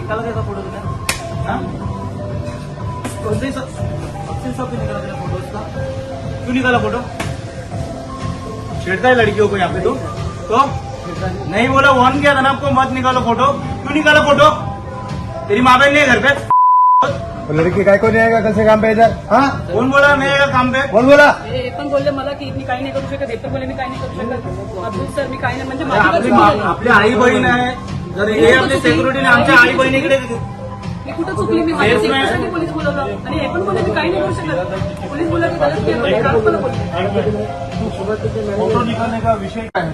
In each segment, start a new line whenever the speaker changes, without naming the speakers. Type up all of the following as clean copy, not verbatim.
निकाला था फोटो तुमने? हाँ? कौन से अफसील साहब ने निकाला था फोटो उसका? क्यों निकाला फोटो? छेड़ता है लड़कियों को यहाँ पे तो नहीं बोला, वार्न किया था ना आपको, मत निकालो फोटो। क्यों निकाला फोटो? तेरी माँ बहन नहीं है घर पे?
तो लड़की काय को नहीं आएगा कल से काम पे इधर? हाँ,
कौन बोला नहीं आएगा काम पे?
कौन बोला?
हे पण बोलले मला की मी काही नाही करू शकत, हे पण बोलले मी काही नाही करू शकत. अब्दुल सर मी काही नाही म्हणजे माझी गलती नाही.
आपली आई बहीण आहे, जर हे आपली सिक्युरिटीने आमच्या आई बहिणीकडे
मी कुठं चुकली, मी माझ्या सेफ्टीसाठी पोलीस बोलवलं आणि हे पण बोलले मी काही नाही करू शकत. पोलीस बोलले की गलत केलं, पण काल मला बोलले.
फोटो निकालने का विषय काय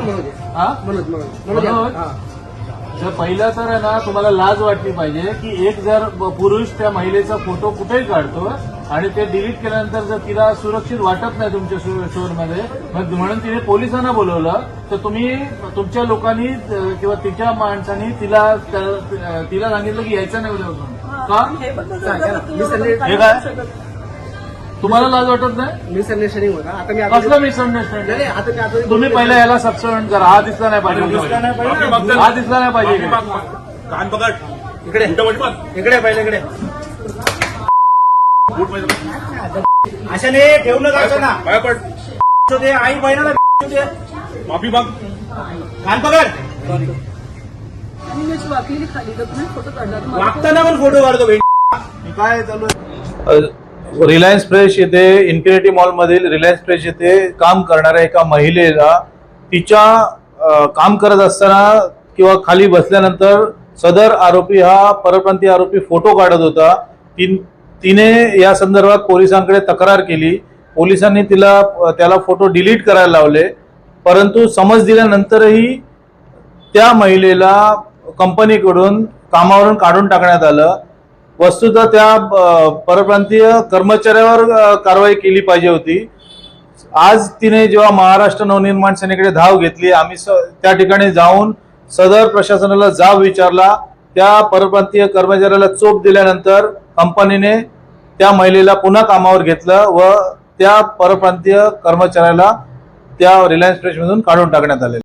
तर पहिलं तर आहे ना, तुम्हाला लाज वाटली पाहिजे की एक जर पुरुष त्या महिलेचा फोटो कुठेही काढतो आणि ते डिलीट केल्यानंतर जर तिला सुरक्षित वाटत नाही तुमच्या स्टोअरमध्ये, मग म्हणून तिने पोलिसांना बोलवलं, तर तुम्ही तुमच्या लोकांनी किंवा तिच्या माणसांनी तिला सांगितलं की यायचं नाही उद्यापासून. का?
हे पण बोलले,
हे काय तुम्हाला लाज वाटत नाही?
मिसअंडरस्टँडिंग होता. आता मी
कसलं मिसअंडरस्टँडिंग?
आता मी आता
तुम्ही पहिला याला सबस्टिट्यूट करा. हा दिसला नाही पाहिजे, हा दिसला नाही पाहिजे.
कान पकड, इकडे इकडे पहिले इकडे. अशाने ठेवणं जायचं ना, ते आई बहिणाला माफी माग. कान पकड.
आणि मी वाकली खाली तर तुम्ही फोटो काढला तर मला
वागताना पण फोटो काढतो बहीण. काय चालू आहे?
रिलायन्स फ्रेश येथे इन्फिनिटी मॉलमधील रिलायन्स फ्रेश येथे काम करणाऱ्या एका महिलेला तिच्या काम करत असताना किंवा खाली बसल्यानंतर सदर आरोपी हा परप्रांतीय आरोपी फोटो काढत होता. तिने या संदर्भात पोलिसांकडे तक्रार केली. पोलिसांनी त्याला फोटो डिलीट करायला लावले, परंतु समज दिल्यानंतरही त्या महिलेला कंपनीकडून कामावरून काढून टाकण्यात आलं. वस्तुतः त्या परप्रांतीय कर्मचाऱ्यावर कारवाई केली पाहिजे होती. आज तिने जेव्हा महाराष्ट्र नवनिर्माण सेनेकडे धाव घेतली, आम्ही त्या ठिकाणी जाऊन सदर प्रशासनाला जाब विचारला. त्या परप्रांतीय कर्मचाऱ्याला चोप दिल्यानंतर कंपनीने त्या महिलेला पुन्हा कामावर घेतलं व त्या परप्रांतीय कर्मचाऱ्याला त्या रिलायन्स फ्रेशमधून काढून टाकण्यात आले.